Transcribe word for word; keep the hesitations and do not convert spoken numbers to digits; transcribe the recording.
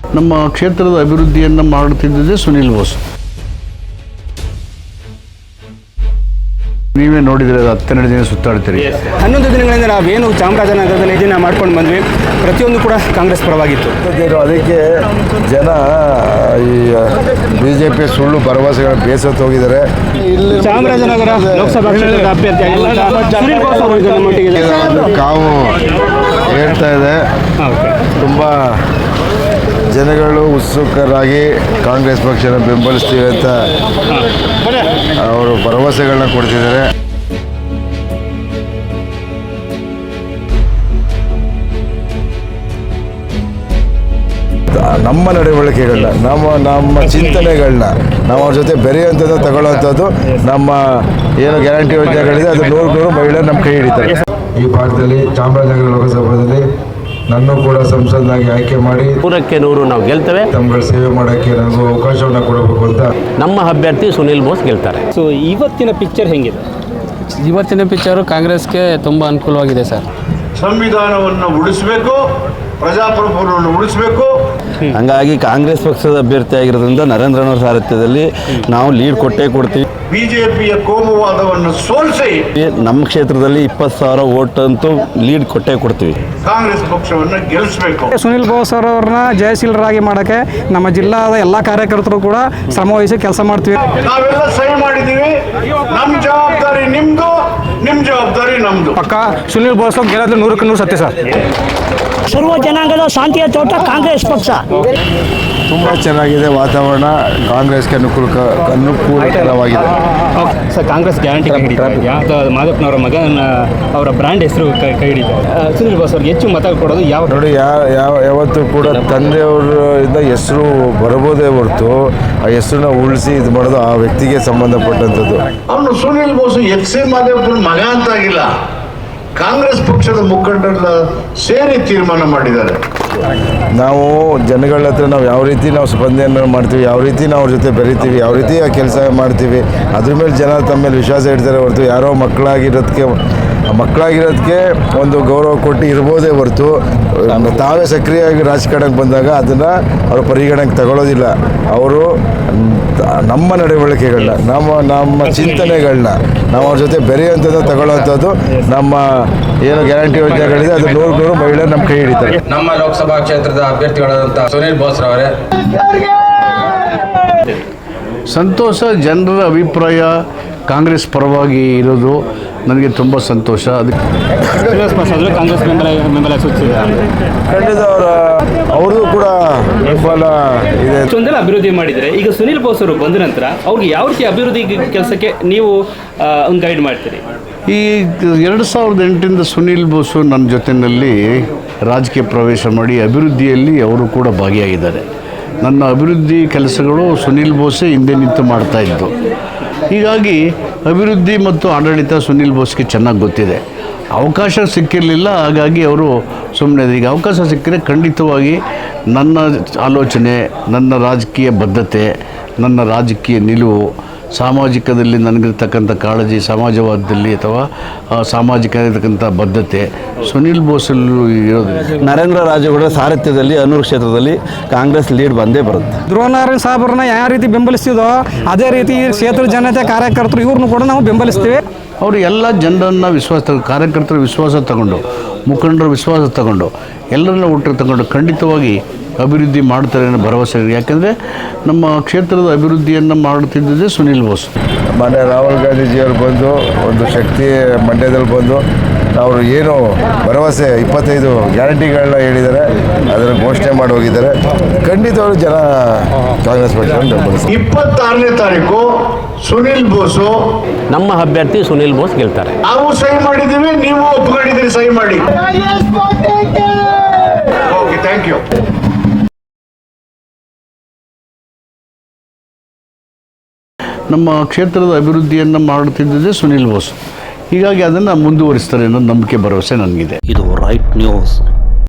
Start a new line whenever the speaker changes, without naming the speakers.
ನಮ್ಮ ಕ್ಷೇತ್ರದ ಅಭಿವೃದ್ಧಿಯನ್ನು ಮಾಡುತ್ತಿದ್ದುದೇ ಸುನಿಲ್ ಬೋಸ್. ನೀವೇ ನೋಡಿದರೆ ಹತ್ತೆರಡು ದಿನ ಸುತ್ತಾಡ್ತೀರಿ.
ಹನ್ನೊಂದು ದಿನಗಳಿಂದ ನಾವೇನು ಚಾಮರಾಜನಗರದಲ್ಲಿ ಇದನ್ನ ಮಾಡ್ಕೊಂಡು ಬಂದ್ವಿ, ಪ್ರತಿಯೊಂದು ಕೂಡ ಕಾಂಗ್ರೆಸ್ ಪರವಾಗಿತ್ತು.
ಅದಕ್ಕೆ ಜನ ಈ ಬಿ ಜೆ ಪಿ ಸುಳ್ಳು ಭರವಸೆಗಳನ್ನು ಬೇಸತ್ತು ಹೋಗಿದ್ದಾರೆ.
ಚಾಮರಾಜನಗರ ಲೋಕಸಭಾ ಕ್ಷೇತ್ರದ ಅಭ್ಯರ್ಥಿ
ಕಾವು ಹೇಳ್ತಾ ಇದೆ. ತುಂಬ ಜನಗಳು ಉತ್ಸುಕರಾಗಿ ಕಾಂಗ್ರೆಸ್ ಪಕ್ಷನ ಬೆಂಬಲಿಸ್ತೀವಿ ಅಂತ ಅವರು ಭರವಸೆಗಳನ್ನ ಕೊಡ್ತಿದ್ದಾರೆ. ನಮ್ಮ ನಡವಳಿಕೆಗಳನ್ನ, ನಮ್ಮ ನಮ್ಮ ಚಿಂತನೆಗಳನ್ನ ನಾವು ಅವ್ರ ಜೊತೆ ಬೆರೆಯುವಂಥದ್ದು ತಗೊಳ್ಳುವಂಥದ್ದು ನಮ್ಮ ಏನು ಗ್ಯಾರಂಟಿ ಯೋಜನೆಗಳಿದೆ ಅದು ನೂರು ನೂರು ಮಹಿಳೆಯರು ನಮ್ಮ ಕೈ ಹಿಡಿತಾರೆ. ಈ ಭಾಗದಲ್ಲಿ ಚಾಮರಾಜನಗರ ಲೋಕಸಭಾದಲ್ಲಿ ನನ್ನ ಕೂಡ ಸಂಸದನಾಗಿ ಆಯ್ಕೆ ಮಾಡಿ
ನೂರಕ್ಕೆ ನೂರು ನಾವು ಗೆಲ್ತೇವೆ.
ತಮ್ಮಗಳ ಸೇವೆ ಮಾಡೋಕ್ಕೆ ನನಗೂ ಅವಕಾಶವನ್ನು ಕೊಡಬೇಕು ಅಂತ
ನಮ್ಮ ಅಭ್ಯರ್ಥಿ ಸುನಿಲ್ ಬೋಸ್ ಗೆಲ್ತಾರೆ.
ಸೊ ಇವತ್ತಿನ ಪಿಕ್ಚರ್ ಹೆಂಗಿದೆ?
ಇವತ್ತಿನ ಪಿಕ್ಚರು ಕಾಂಗ್ರೆಸ್ಗೆ ತುಂಬ ಅನುಕೂಲವಾಗಿದೆ ಸರ್.
ಸಂವಿಧಾನವನ್ನು ಉಳಿಸಬೇಕು, ಪ್ರಜಾಪ್ರಭುತ್ವವನ್ನು ಉಳಿಸಬೇಕು.
ಹಂಗಾಗಿ ಕಾಂಗ್ರೆಸ್ ಪಕ್ಷದ ಅಭ್ಯರ್ಥಿ ಆಗಿರೋದ್ರಿಂದ ನರೇಂದ್ರನವರ ಸಾರಥ್ಯದಲ್ಲಿ ನಾವು ಲೀಡ್ ಕೊಟ್ಟೇ ಕೊಡ್ತೀವಿ.
ಬಿಜೆಪಿಯ ಕೋಮುವಾದವನ್ನು ಸೋಲಿಸಿ
ನಮ್ಮ ಕ್ಷೇತ್ರದಲ್ಲಿ ಇಪ್ಪತ್ತು ಸಾವಿರ ವೋಟ್ ಅಂತೂ ಲೀಡ್ ಕೊಟ್ಟೇ ಕೊಡ್ತೀವಿ.
ಕಾಂಗ್ರೆಸ್ ಪಕ್ಷವನ್ನು ಗೆಲ್ಲಿಸಬೇಕು.
ಸುನಿಲ್ ಬೋಸ್ ಅವರನ್ನ ಜಯಶೀಲರಾಗಿ ಮಾಡೋಕ್ಕೆ ನಮ್ಮ ಜಿಲ್ಲಾದ ಎಲ್ಲ ಕಾರ್ಯಕರ್ತರು ಕೂಡ ಶ್ರಮವಹಿಸಿ ಕೆಲಸ ಮಾಡ್ತೀವಿ.
ನಾವೆಲ್ಲ ಸಹಿ ಮಾಡಿದ್ದೀವಿ. ನಮ್ಮ ಜವಾಬ್ದಾರಿ ನಿಮ್ದು, ನಿಮ್ಮ ಜವಾಬ್ದಾರಿ ನಮ್ದು.
ಪಕ್ಕ ಸುನಿಲ್ ಬೋಸ್ ಗೆಲ್ಲೋದು ನೂರಕ್ಕೆ ನೂರು ಸತ್ಯ ಸರ್.
ಸರ್ವ ಜನಾಂಗದ ಶಾಂತಿಯ ತೋಟ ಕಾಂಗ್ರೆಸ್ ಪಕ್ಷ.
ತುಂಬ ಚೆನ್ನಾಗಿದೆ ವಾತಾವರಣ. ಕಾಂಗ್ರೆಸ್ಗೆ ಅನುಕೂಲ ಅನುಕೂಲಕರವಾಗಿದೆ
ಸರ್. ಕಾಂಗ್ರೆಸ್ ಗ್ಯಾರಂಟಿ ಕೈ ಹಿಡಿತಾರೆ. ಮಾದಪ್ಪನವರ ಮಗನ ಅವರ ಬ್ರ್ಯಾಂಡ್ ಹೆಸರು ಕೈ ಕೈ ಹಿಡಿತಾರೆ. ಸುನಿಲ್ ಬೋಸ್ ಅವ್ರಿಗೆ ಹೆಚ್ಚು ಮತ ಕೊಡೋದು ಯಾವ
ನೋಡಿ, ಯಾವ ಯಾವತ್ತೂ ಕೂಡ ತಂದೆಯವರಿಂದ ಹೆಸರು ಬರಬಹುದೇ ಹೊರತು ಆ ಹೆಸರನ್ನ ಉಳಿಸಿ ಇದು ಮಾಡೋದು ಆ ವ್ಯಕ್ತಿಗೆ ಸಂಬಂಧಪಟ್ಟಂಥದ್ದು.
ಅವನು ಸುನಿಲ್ ಬೋಸ್ ಎಚ್ ಸಿ ಮಾದೇವಪ್ಪನ ಮಗ ಅಂತಾಗಿಲ್ಲ, ಕಾಂಗ್ರೆಸ್ ಪಕ್ಷದ ಮುಖಂಡರೆಲ್ಲ ಸೇರಿ ತೀರ್ಮಾನ ಮಾಡಿದ್ದಾರೆ.
ನಾವು ಜನಗಳ ಹತ್ರ ನಾವು ಯಾವ ರೀತಿ ನಾವು ಸ್ಪಂದನೆ ಮಾಡ್ತೀವಿ, ಯಾವ ರೀತಿ ನಾವು ಅವ್ರ ಜೊತೆ ಬೆರಿತೀವಿ, ಯಾವ ರೀತಿ ಆ ಕೆಲಸ ಮಾಡ್ತೀವಿ, ಅದ್ರ ಮೇಲೆ ಜನ ತಮ್ಮ ಮೇಲೆ ವಿಶ್ವಾಸ ಇಡ್ತಾರೆ ಹೊರತು ಯಾರೋ ಮಕ್ಕಳಾಗಿರೋದಕ್ಕೆ ಮಕ್ಕಳಾಗಿರೋದಕ್ಕೆ ಒಂದು ಗೌರವ ಕೊಟ್ಟು ಇರ್ಬೋದೇ ಹೊರತು ತಾವೇ ಸಕ್ರಿಯವಾಗಿ ರಾಜಕಾರಣಕ್ಕೆ ಬಂದಾಗ ಅದನ್ನು ಅವರು ಪರಿಗಣನೆಗೆ ತಗೊಳ್ಳೋದಿಲ್ಲ. ಅವರು ನಮ್ಮ ನಡವಳಿಕೆಗಳನ್ನ, ನಮ್ಮ ನಮ್ಮ ಚಿಂತನೆಗಳನ್ನ ನಾವು ಅವ್ರ ಜೊತೆ ಬೆರೆಯುವಂಥದ್ದು ತಗೊಳ್ಳುವಂಥದ್ದು ನಮ್ಮ ಏನು ಗ್ಯಾರಂಟಿ ಯೋಜನೆಗಳಿದೆ ಅದು ನೂರು ನೂರು ಮಹಿಳೆಯರು ನಮ್ಮ ಕೈ ಹಿಡಿತಾರೆ.
ನಮ್ಮ ಲೋಕಸಭಾ ಕ್ಷೇತ್ರದ ಅಭ್ಯರ್ಥಿಗಳಾದಂಥ ಸುನಿಲ್ ಬೋಸ್ ರವರೇ.
ಸಂತೋಷ. ಜನರ ಅಭಿಪ್ರಾಯ ಕಾಂಗ್ರೆಸ್ ಪರವಾಗಿ ಇರೋದು ನನಗೆ ತುಂಬ ಸಂತೋಷ. ಅದಕ್ಕೆ
ಕಾಂಗ್ರೆಸ್ ಬೆಂಬಲ ಬೆಂಬಲ ಸೂಚಿಸಿದ್ದಾರೆ.
ಖಂಡಿತ ಅವರ ಅವ್ರದ್ದು ಕೂಡ ಬೆಂಬಲ ಇದೆ.
ಇಷ್ಟೊಂದೆಲ್ಲ ಅಭಿವೃದ್ಧಿ ಮಾಡಿದರೆ ಈಗ ಸುನಿಲ್ ಬೋಸ್ ಅವರು ಬಂದ ನಂತರ ಅವ್ರಿಗೆ ಯಾವ ರೀತಿ ಅಭಿವೃದ್ಧಿ ಕೆಲಸಕ್ಕೆ ನೀವು ಒಂದು ಗೈಡ್ ಮಾಡ್ತೀರಿ?
ಈ ಎರಡು ಸಾವಿರದ ಎಂಟರಿಂದ ಸುನಿಲ್ ಬೋಸು ನನ್ನ ಜೊತೆಯಲ್ಲಿ ರಾಜಕೀಯ ಪ್ರವೇಶ ಮಾಡಿ ಅಭಿವೃದ್ಧಿಯಲ್ಲಿ ಅವರು ಕೂಡ ಭಾಗಿಯಾಗಿದ್ದಾರೆ. ನನ್ನ ಅಭಿವೃದ್ಧಿ ಕೆಲಸಗಳು ಸುನಿಲ್ ಬೋಸೇ ಹಿಂದೆ ನಿಂತು ಮಾಡ್ತಾಯಿದ್ದು. ಹೀಗಾಗಿ ಅಭಿವೃದ್ಧಿ ಮತ್ತು ಆಡಳಿತ ಸುನಿಲ್ ಬೋಸ್ಗೆ ಚೆನ್ನಾಗಿ ಗೊತ್ತಿದೆ. ಅವಕಾಶ ಸಿಕ್ಕಿರಲಿಲ್ಲ, ಹಾಗಾಗಿ ಅವರು ಸುಮ್ಮನೆ. ಈಗ ಅವಕಾಶ ಸಿಕ್ಕಿದ್ರೆ ಖಂಡಿತವಾಗಿ ನನ್ನ ಆಲೋಚನೆ, ನನ್ನ ರಾಜಕೀಯ ಬದ್ಧತೆ, ನನ್ನ ರಾಜಕೀಯ ನಿಲುವು, ಸಾಮಾಜಿಕದಲ್ಲಿ ನನಗಿರ್ತಕ್ಕಂಥ ಕಾಳಜಿ, ಸಮಾಜವಾದದಲ್ಲಿ ಅಥವಾ ಸಾಮಾಜಿಕ ಇರತಕ್ಕಂಥ ಬದ್ಧತೆ ಸುನಿಲ್ ಬೋಸಲ್ಲೂ ಇರೋದು.
ನರೇಂದ್ರ ರಾಜೇಗೌಡರ ಸಾರಥ್ಯದಲ್ಲಿ ಅನೂರು ಕ್ಷೇತ್ರದಲ್ಲಿ ಕಾಂಗ್ರೆಸ್ ಲೀಡ್ ಬಂದೇ ಬರುತ್ತೆ.
ಧ್ರುವನಾರಾಯಣ ಸಾಹೇಬ್ರನ್ನ ಯಾವ ರೀತಿ ಬೆಂಬಲಿಸ್ತಿದೋ ಅದೇ ರೀತಿ ಕ್ಷೇತ್ರ ಜನತೆ ಕಾರ್ಯಕರ್ತರು ಇವ್ರನ್ನೂ ಕೂಡ ನಾವು ಬೆಂಬಲಿಸ್ತೀವಿ.
ಅವರು ಎಲ್ಲ ಜನರನ್ನು ವಿಶ್ವಾಸ ತಗೊಂಡು, ಕಾರ್ಯಕರ್ತರ ವಿಶ್ವಾಸ ತಗೊಂಡು, ಮುಖಂಡರ ವಿಶ್ವಾಸ ತಗೊಂಡು, ಎಲ್ಲರನ್ನ ಒಟ್ಟಿಗೆ ತಗೊಂಡು ಖಂಡಿತವಾಗಿ ಅಭಿವೃದ್ಧಿ ಮಾಡ್ತಾರೆ ಅನ್ನೋ ಭರವಸೆ ಇದೆ. ಯಾಕೆಂದರೆ ನಮ್ಮ ಕ್ಷೇತ್ರದ ಅಭಿವೃದ್ಧಿಯನ್ನು ಮಾಡುತ್ತಿದ್ದುದೇ ಸುನಿಲ್ ಬೋಸ್.
ಮೊನ್ನೆ ರಾಹುಲ್ ಗಾಂಧೀಜಿಯವರು ಬಂದು ಒಂದು ಶಕ್ತಿ ಮಂಡ್ಯದಲ್ಲಿ ಬಂದು ಅವರು ಏನು ಭರವಸೆ ಇಪ್ಪತ್ತೈದು ಗ್ಯಾರಂಟಿಗಳನ್ನ ಹೇಳಿದ್ದಾರೆ, ಅದನ್ನು ಘೋಷಣೆ ಮಾಡಿ ಹೋಗಿದ್ದಾರೆ. ಖಂಡಿತವಾಗ್ಲೂ ಜನ ಕಾಂಗ್ರೆಸ್ ಪಕ್ಷವನ್ನು ಬೆಂಬಲಿಸ್ತಾರೆ.
ಇಪ್ಪತ್ತಾರನೇ ತಾರೀಕು ಸುನಿಲ್ ಬೋಸು
ನಮ್ಮ ಅಭ್ಯರ್ಥಿ ಸುನಿಲ್ ಬೋಸ್ ಗೆಲ್ತಾರೆ.
ನಾವು ಸಹಿ ಮಾಡಿದ್ದೀವಿ, ನೀವು ಒಪ್ಕೊಂಡಿದ್ದೀರಿ, ಸಹಿ ಮಾಡಿ. Okay, thank you.
ನಮ್ಮ ಕ್ಷೇತ್ರದ ಅಭಿವೃದ್ಧಿಯನ್ನು ಮಾಡುತ್ತಿದ್ದುದೇ ಸುನಿಲ್ ಬೋಸ್. ಹೀಗಾಗಿ ಅದನ್ನು ಮುಂದುವರಿಸ್ತಾರೆ ಅನ್ನೋ ನಂಬಿಕೆ, ಭರವಸೆ ನನಗಿದೆ.
ಇದು ರೈಟ್ ನ್ಯೂಸ್.